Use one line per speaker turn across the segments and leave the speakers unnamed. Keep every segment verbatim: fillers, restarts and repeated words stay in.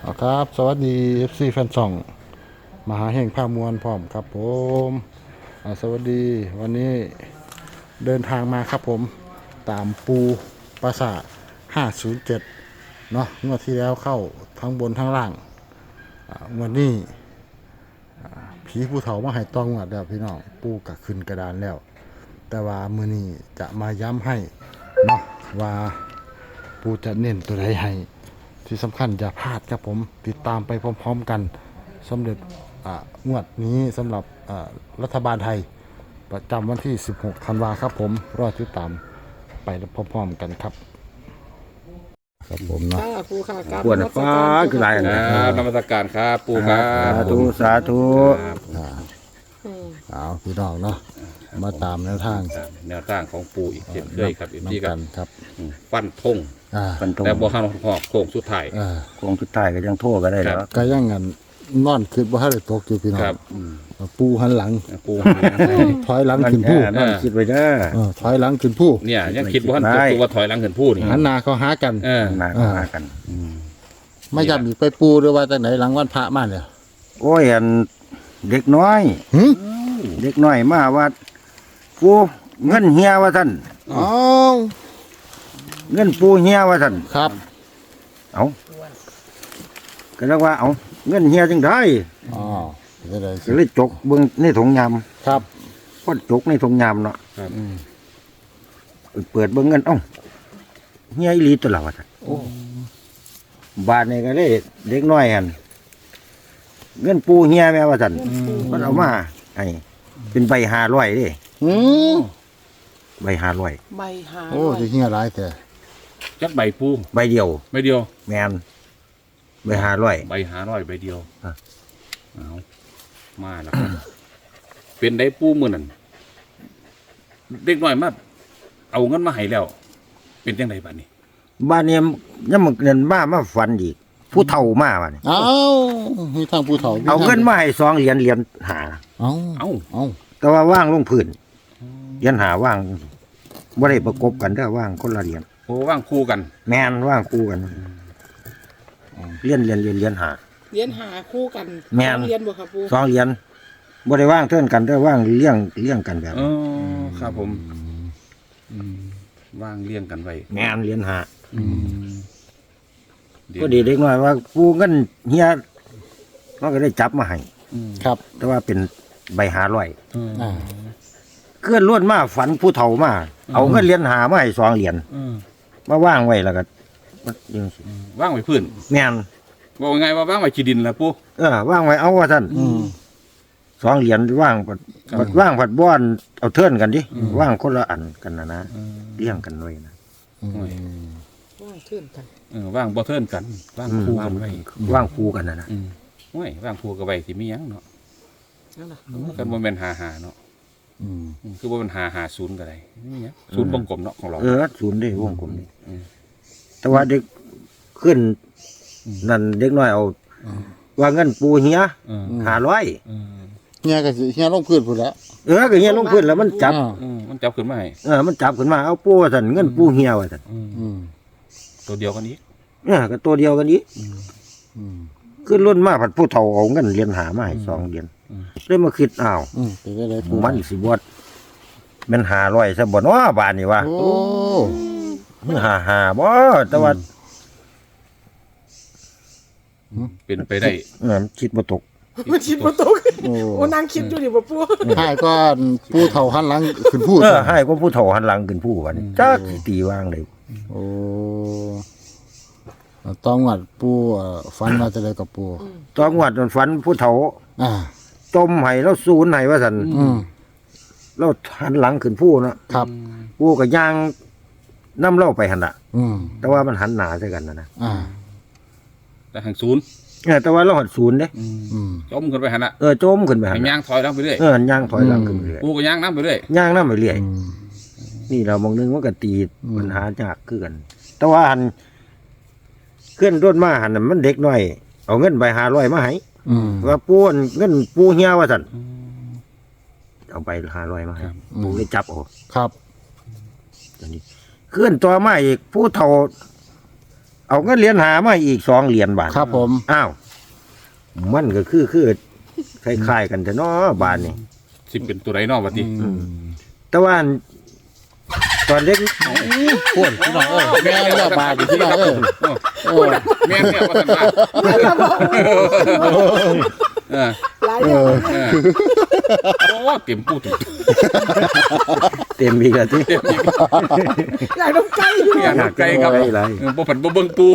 เอาครับสวัสดี เอฟ ซี แฟนช่องมหาแห่งภาคมวลพร้อมครับผมอ่าสวัสดีวันนี้เดินทางมาครับผมตามปูปราสาทห้าศูนย์เจ็ดเนาะงวดที่แล้วเข้าทั้งบนทั้งล่างอ่างวันนี้อ่าผีผู้เฒ่ามาให้ตองวดแล้วพี่น้องปูกะขึ้นกระดานแล้ว แต่ว่ามือนี้จะมาย้ำให้เนาะว่าปูจะเน้นตัวใดให้ที่สำคัญอย่าพลาดครับผมติดตามไปพร้อมๆกันสำเร็จอ่างวดนี้สำหรับอ่ารัฐบาลไทยประจำวันที่สิบหกธันวาครับผมรอติดตามไปพร้อมๆกันครับครับผมเนาะ
ค่ะครูค่ะกราบ
ปวดฟ้าคือไร
น
นะ
มัส
ครับนมัสการครับปู่ครั
สา
บ
ธุ
สาธุ
อ่า
อืม
เอาพี่น้องเนาะมาตามแนวทาง
แนวทางของปู่อีกเช่นเคยครับอีกที่
น้ำ
กั
กัน นครับ
ฟันธง
อ่า
ฟันธง
แต่บ่ฮันหอกโค้งสุดท้าย
อ่า
โค้งสุดท้ายก็ยังโทษก็ได้แล้ว
ก็ยังงั้นนอนคิดว่าให้ได้ตกอยู่พี่น้อ
ค
ง
รับ
ปูหันหลัง
ปู่
ถอยหลังขึ้นผู้
นั่นคิดไว้เด้อ
เออถอยหลังขึ้นผู้
เนี่ยยังคิดว่าท่านตัวว่าถอยหลังขึ้นผู้นี่
หันหน้าเขาหากัน
เออ
หนาเข้าหากัน
ไม่จำอีกไปปูหรือว่าจากไหนหลังวันพระมาเนี่ย
โอ้ยอันเด็กน้อย
หึ
เด็กน้อยมาว่าปูเงินเฮียว่าท่าน
อ๋อ
เงินปูเฮียว่าท่าน
ครับ
เอาก็เรียกว่าเอาเงินเฮียจังได้
อ๋อจะได้
ก็เลยจกเบิ่งในถุงย
ครับ
ำก็จกในถุงยำเนาะ
ครับ
เปิดเบิ่งเงินเอ้าเฮียอีหลีตัวละว่าท่านบาทนี่ก็เลยเด็กน้อยอันเงินปูเฮียแม่ว่าท่านมันเอามาให้เป็นใบห้าร้อยเด้
อืม
ใบห้าร้อย
ใบหา
โอ้จะเฮียร้ายแต่
จักใบปู
ใบเดียว
ใบเดียว
แมนใบห้าร้อย
ใบหาร้อยใบเดียว
อ่ะ
เอามาแล้วครับเป็นได้ปูมื้อนั้นเด็กน้อยมาเอาเงินมาให้แล้ว เป็นจังไดบัดนี้
บ้านนี้ยังมันเงินมามาฝันอีกผู้เฒ่ามาบ้านนี้
เอ้ามีทางปูเฒ่า
เอาเงินมาให้สองเหรียญเหรียญหา
เอ้า
เอ้า
เอ้า
แต่ว่าว่างลงพื้นเหรียญหาว่างบ่ได้ประกบกันเด้อว่างคนละเหรียญ
โอ้ว่างคู่กัน
แมนว่างคู่กันเหรียญเหรียญเหรียญเหรียญหา
เรียนหาคู่กัน
แม่น
เรียนบ่ครับครู
สองเหรียญบ่ได้ว่างเท่ากันเด้อว่างเลี้ยงเลี้ยงกันแบบ
เออครับผมอืมว่างเลี้ยงกันไว้
แมนเหรียญหา
อืมเดี๋ยว
ก็ดีเด็กน้อยว่าผู้เงินเฮียมันก็ได้จับมาให้
อืม
ครับ
แต่ว่าเป็นใบหาร้อย
อืม
อ่า
เคลื่อนล้วนมาฝันผู้เฒ่ามาเอาเงินเหรียญหามาให้สองเหรียญ
อืม
มาว่างไว้แล้วก็มันยังสิ
ว่างไว้พื้น
แม่น
บอกไงว่าว่างไว้ขี้ดินล่ะปู่
เออว่างไว้เอาว่าท่าน
อืม
สองเหรียญว่างผัด
ครับ
ผัดว่างผัดบ้อนเอาเทิร์นกันดิ
อืม
ว่างคนละอันกันนะนะ
อืม
เลี้ยงกันไว้นะ
อืม
ว่างขึ้นกัน
เออว่างบ่เทิร์นกันว่างคู่กันไว้
ว่างคู่กันนะนะ
อืมโอ้ยว่างคู่กันไว้สิมีหยังเนาะ
นั่นน่ะ
กันบ่แม่นหาหาเนาะ
อืม
อืมคือบ่แม่นหาหาศูนย์ก็ได้มีหยังศูนย์วงกลมเนาะของเรา
เออศูนย์ได้วงกลมนี่
อืม
แต่ว่าเด็กขึ้นนั่นเด็กน้อยเอาว่าเงินปูเฮีย
เออ
หาร้อย
เออ
เฮียก็สิเฮียลงพื้นพุ่นแล้ว
เออก็เฮียลงพื้นแล้วมันจับ
อ่า
เออมันจับขึ้นมาให้
เออมันจับขึ้นมาเอาปูว่าท่านเงินปูเฮียว่าท่าน
อืม
อืม
ตัวเดียวกันนี้
เออก็ตัวเดียวกันนี้
อืม
ขึ้นรุ่นมาผัดผู้เฒ่าเอาเงินเหรียญหามาให้สองเหรียญเลยมาคิดอ้าว
อืมเป็นได้ไรปู
มันสิบวดมันหาร้อยซะบ่เนาะบานนี่วะ
โอ้
มันหาหาบ่แต่ว่า
เป็นไปได้
เออมันคิดบ่ตก
มันคิดบ่ตก
โอ้
โอ้นางคิดอยู่ดิบ่ปู่
ให้ก็ปูเฒ่าหันหลังขึ้นพูด
เออให้ก็ผู้เฒ่าหันหลังขึ้นผู้วันนี้จักสิตีวางเลย
โอ้ต้องวัดปูเอ่อฟันมาจะได้กับปู
ตอนงวดมันฝันผู้เฒ่า
อ่า
จมให้แล้วศูนย์ให้ว่าซั่น
อืม
แล้วหันหลังขึ้นผู้เนาะ
ครับ
ผู้ก็ย่างนํเล่าไปหั่นน่ะ
อืม
แต่ว่ามันหันหน้าใส่กันนะนะ
อ่า
แต่หังศูนย์
เออแต่ว่าเราหันศูนย์เด้
อืม
จมขึ้นไปหั่นน่ะ
เออจมขึ้นไปหั่
ให้
น
ย่า
น่ะ
งถอยหลังไปเรื่อย
เออย่างถอยหลังขึ้นไปเรื่อย
ปูก็ย่างน้ำไปเรื่อย
ย่างนำไปเรื่อย
อืม
นี่เรามองนึงว่าก็ตี
อืม
ปัญหายากคือกัน แต่ว่าหันเคลื่อนร่นมาหันน่ะมันเด็กน้อย เอาเงินใบหาร้อยมาให้
อืม
ว่าปูนเงินปูเฮียว่าสันเอาใบหาร้อยมาให้
ครับ
ปูเลยจับเออก
ครับ
ตอนนี้เคลื่อนตัวมาอีกผู้เฒ่าเอาเงินเหรียญหามาอีกสองเหรียญบาท
ครับผม
อ้าวมันก็คือคือคล้ายๆกันแต่เนาะบาทนี่
สิเป็นตัวไรนอกวะที
แต่ว่าตอนเด็ก
พูดพี่น้องเอ้ยแม่เลือกบาดพี่น้องเอ้ยโอ้
แม่เนี่ยว่าสันว่าเออ
หลายอย่าง
เออโอ้เต็มปูถูก
เต็มอีกแล้วที่
อยากน้ำไก่
อยากน้ำไก่ครับ
ไรไร
เออบ่ผันบ่เบิ่งปู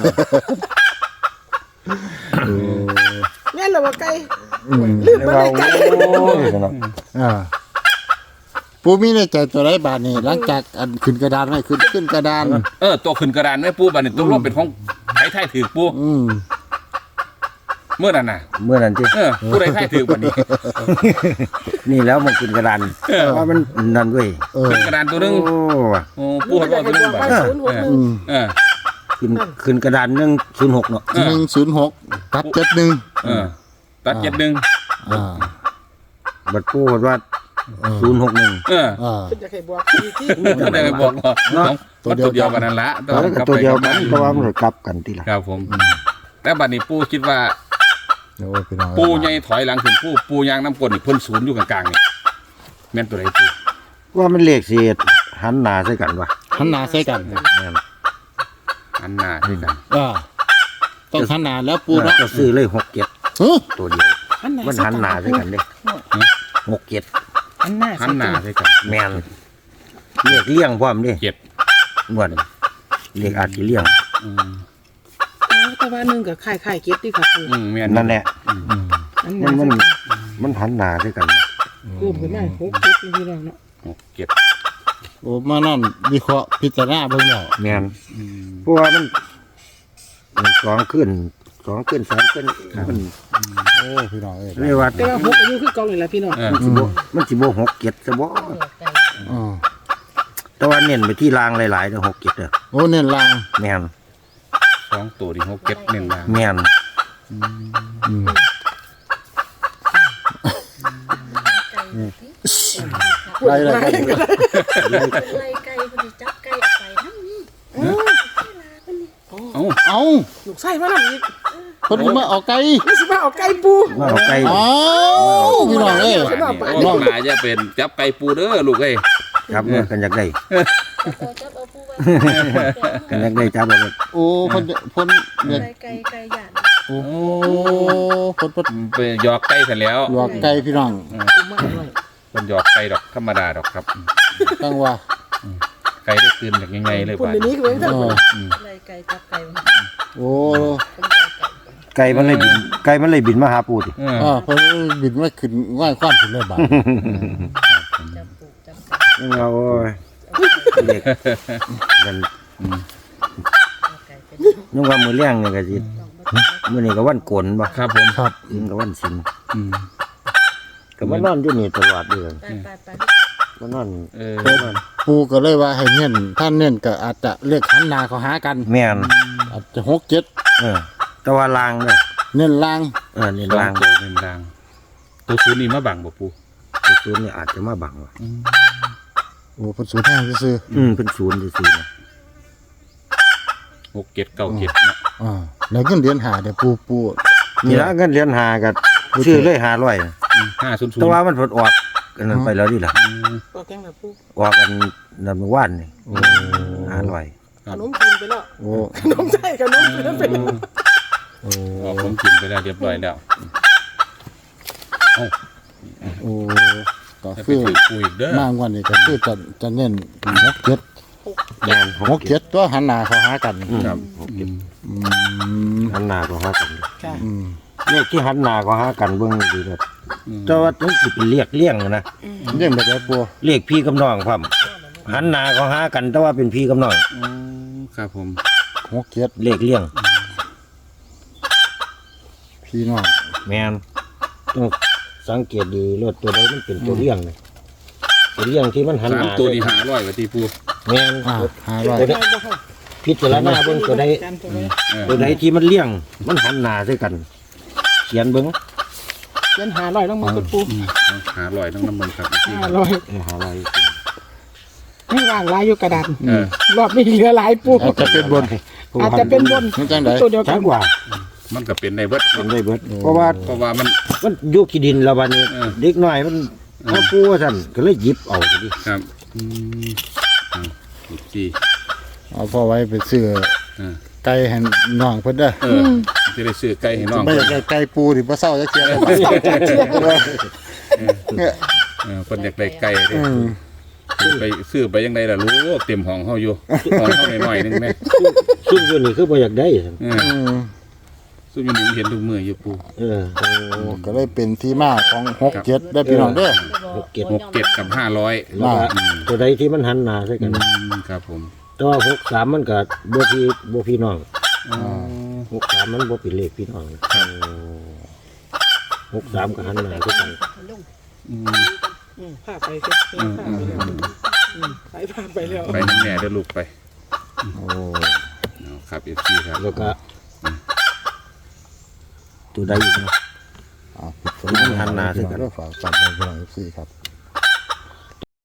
เนี่ยเราว่าไก่
อืม
ลืมมาเลยไก่
อ่าปูมีในใจตัวไรบาทนี่หลังจากอันขึ้นกระดานไม่ขึ้นขึ้นกระดาน
เออตัวขึ้นกระดานแม่ปูบัดนี้ตัวลงเป็นของไทยไทยถือปู
อืม
เมื่อนั้นน่ะ
เมื่อนั้นที่
เออผู้ใดไทยถือบัดนี้
นี่แล้วมันขึ้นกระดานว่ามันนั่นเว้ย
เออ
ขึ้นกระดานตัวหนึง
โอ้
โอ้ปูเขาก็ตัวหนึงบัด
ว่าศูนย์หกหนึ่ง
อืม
เออ
ขึ้นขึ้นกระดานหนึ่งศูนย์หกเนาะ
หนึ่งศูนย์หกตัดเจ็ดหนึ่ง
เออตัดเจ็ดหนึ่ง
อ่า
บัดปูดว่าศูนย์หกหนึ่ง
เออ
อ่า
เป็นจะให้บอกที่ที่
ก็ได้ไปบอกว่า
เนาะ
ตัวเดียวกันนั่นละ
แล้วก็ตัวเดียวกันเพราะว่ามันกลับกันทีละ
ครับผม แต่บัดนี้ปูคิดว่า
โอ้ยพี่น้อง
ปูใหญ่ถอยหลังขึ้นปูปูยางน้ำกลนนี่เพิ่นศูนย์อยู่กลางๆนี่แม่นตัวไหนปู
ว่ามันเลขเสียดหันหน้าใส่กันวะ
หันหน้าใส่กัน
แม่น
อันหน้าด้วยกัน
อ่าต้องหันหน้าแล้วปูเนาะ
ก็ซื้อเลยหกเจ็ด
เฮ้ย
ตัวเดียวมันหันหน้าใส่กันเด้หกเจ็ด
อันหน้า
หันหน้าด้วยกัน
แมนเลขเลี่ยงพร้อมเด้
เจ็ด
งวดเลขอาจจะเลี่ยง
อืม
แต่ว่าหนึ่งกับไข่ไข่เก็บดีค่ะครู
อืมแม่น
นั่นแหละ
อืม
อัน
มั
นั้น น
มันมันหันหน้าใส่กัน
กูขึ้นมาหกเก็บที่เราเนาะ
หกเจ็ด
โอ้มานั่นวิเคราะห์พิจารณาเบิ่งแล้ว
แมน
อืม
เพราะว่ามันมันสองขึ้นสองขึ้นสามขึ้นมัน
โอ้พี่น้องเอ้ย
เรียกว่า
แต่ว่าหกอายุคือเก่าเลยล่ะพี่น้อง
เออ
มันสิบ่มันสิบ่หกเจ็ดซะบ่
อ่า
แต่ว่าเน้นไปที่รางหลายๆเด้อหกเจ็ดเด้อ
โอ้เน้นลาง
แมน
สองตัวที่หกเจ็ดหนึ่งล่าง
แมน
อืม
ไก่
ได้เลยได้เลย
ไล่ไก่คนที่จับไก่เอาไปทั้งนี้
เอ้า
เอา
ลูกไส้มาแล้วอีก
เพิ่นมาเอาไก่
นี่สิมาเอาไก่ปู
มาเอาไก่
เอาพี่น้องเอ้ย
ว่านี่โอ้หมาจะเป็นจับไก่ปูเด้อลูกเอ้ย
ครับเมื่อกันอยากได้
เอาจับเอาปูไว้
กันอยากได้จับเอาเลย
โอ้เพิ่นเพิ่นเนี่ย
ไก่ไก่ไก่หยาด
โอ้เพิ่นเพิ่น
ไปหยอกไก่เสร็จแล้ว
หยอกไก่พี่น้อง
ปูมาด้วย
เป็นหยอกไก่ดอกธรรมดาดอกครับ
ตั้งว่า
ไก่ได้คืนจากยังไงเลย
ปุ่น
ป่ะ
ในนี้คือเป็น
เอ
ทั้งหม
อ
ด
ไล่ไก่จับไก่
โอ้
ไก่มันเลยบินไก่มันเลยบินมาหาปูติ
เออ
อ่าเพิ่นบินมาขึ้นง่ายความขึ้นเลยบาด
จับปูจับไก่
ยังเอาโอ้ยเด็กมัน
เอาไก่เป็น
ยังว่ามือเลี้ยงนี่ก็สิมื้อนี้ก็วันโกนบ่
ครับผม
ครับ
อืมก็วันสิน
อืม
ก็มานอนอยู่นี่ตลอดเดือน
ไปไปไป
มานอน
เออ
ปูก็เลยว่าให้เน้นถ้าเน้นก็อาจจะเรียกหันหน้าเขาหากัน
แม่น
อาจจะหกเจ็ด
เออแต่ว่าลางเด้อ
เน้นลาง
เออนี่
สอง
ลาง
ตัวเป็นรางตัวศูนย์นี่มาบังบ่ปู
ตัวศูนย์นี่อาจจะมาบังว่ะ
โอ้เพิ่นสูญแท้ซื่อ
อืมเป็นศูนย์ซื่อๆนะ
หกเจ็ดเก้าเจ็ดเนาะ
ๆอ่าแล้วเงินเดือนหาเดี๋ยวปูปู
นี่ละเงินเหรียญหาก็ชื่อเลยห้าร้อย
ห้าศูนย์ศูน
แต่
ย์
ว่ามันผลออกกันนั้นไปแล้วดิล่ะ
ก็แกงแบบปู
ออกกันนำว่านนี่
โอ้
ห้าร้อย
ขนมกินไปแล้ว
โอ้
ขนมไส้ขนมกินนั่นเป็น
โอ้
ออกผมกินไปแล้วเรียบร้อยแล้วเอ้า
โอ้ก็
จะไป
คือ
ถือปูอีกเด้อ
มากกว่านี้ก็คือจะจะเน้นหกเจ็ด
แม่น
หกเจ็ดตัวหันหน้าเขาหากัน
อืม
ครับ
หกเจ็ด
อืม
หันหน้าก็หากัน
ค่ะ
อืม
เลขที่หันหน้าก็หากันเบิ่งดีเด้อ
อืม
แต่ว่าต้องสิเป็นเรียกเลี่ยงนะ
เรื่องแบบไหนปู
เลขพี่กับน้องพร้อมหันหน้าก็หากันแต่ว่าเป็นพี่กับน้อง
อืมครับผม
หกเจ็ด
เลขเลี่ยง
พี่น้อง
แม่นต้องสังเกตดีรถตัวใดมันเป็นตัวเลี่ยงเลยตัวเลี่ยงที่มันหัน
สา
ห
ม
น้า
ตัวนี่หาร้อยกว่าที่ปู
แม่น
อ่าห้าร้อย
ตัวใดพิจารณาเบิ่งตัวใด
การตัวไว้
เออ
ตัวใดที่มันเลี่ยง มันหันหน้าใส่กัน เขียนเบิ่ง
เงินหาร้อยต้องมากับปู
เอาหาร้อยต้องน้ำมันครับ
ห้าร้อย
เออหาอะไร
งให้ว่างหลายอยู่กระดาน
เออ
รอบนี้เหลือหลายปู
อาจจะเป็นบน
อาจจะเป็นบน
มันจังได
ตัวเดียวกั
ชั
น
กว่า
มันก็เป็นในเบิด
เป็นได้เบิดเพราะว่า
เพราะว่ามัน
มันอยู่ขี้ดินแล้ววันนี้
เออ
เด็กน้อยมันเขาปูว่าซั่นก็เลยหยิบเอาซะดิ
ครับอืมอ่าอีกที
เอาพ่อไว้เป็นเสื้อ
เออ
ไก่ให้น้องเพิ่นเด้อ
เออจะได้ซื้อไก่ให้น้อง
ไม่อยากได้ไก่ปูที่บ่เศร้าจักเที่ยเลยบ่เนี่ย
เออเพิ่นอยากได้ไก่เด้
อืม
ซื้อไปซื้อไปยังไงล่ะลูกเต็มห้องเฮาอยู่ห้องเฮาหน่อยๆนึงแม่
ซุ่มอยู่นี่คือบ่อยากได้ซั่น
เออ
อืม
ซุ่มอยู่นี่เห็นทุกมื้ออยู่ปู่
เออ
โอ้ก็เลยเป็นที่มาของหกเจ็ดได้พี่น้องเด้อ
หกเจ็ด
หกเจ็ดกับห้าร้อย
แล้วก็ตัวใดที่มันหันหน้าใส่กัน
ครับผม
แต่ว่าหกสามมันก็บ่พี่บ่พี่น้อง
อ๋อ
หกสามมันบ่เป็นเลขพี่น้องหกสามก็หันหน้าคือกัน
อืม
อืมพาไปเถอะพาไปแล้วอืมไปพาไปแล้ว
ไปนั่นแม่เด้อลูกไป
โอ้
เอาครับ เอฟ ซี ครับ
แล้วก็ตัวใดอีกเนาะ
อ่าพิจารณา
หันหน้าคือกัน
ฝากฝากไปพี่น้อง เอฟ ซี ครับ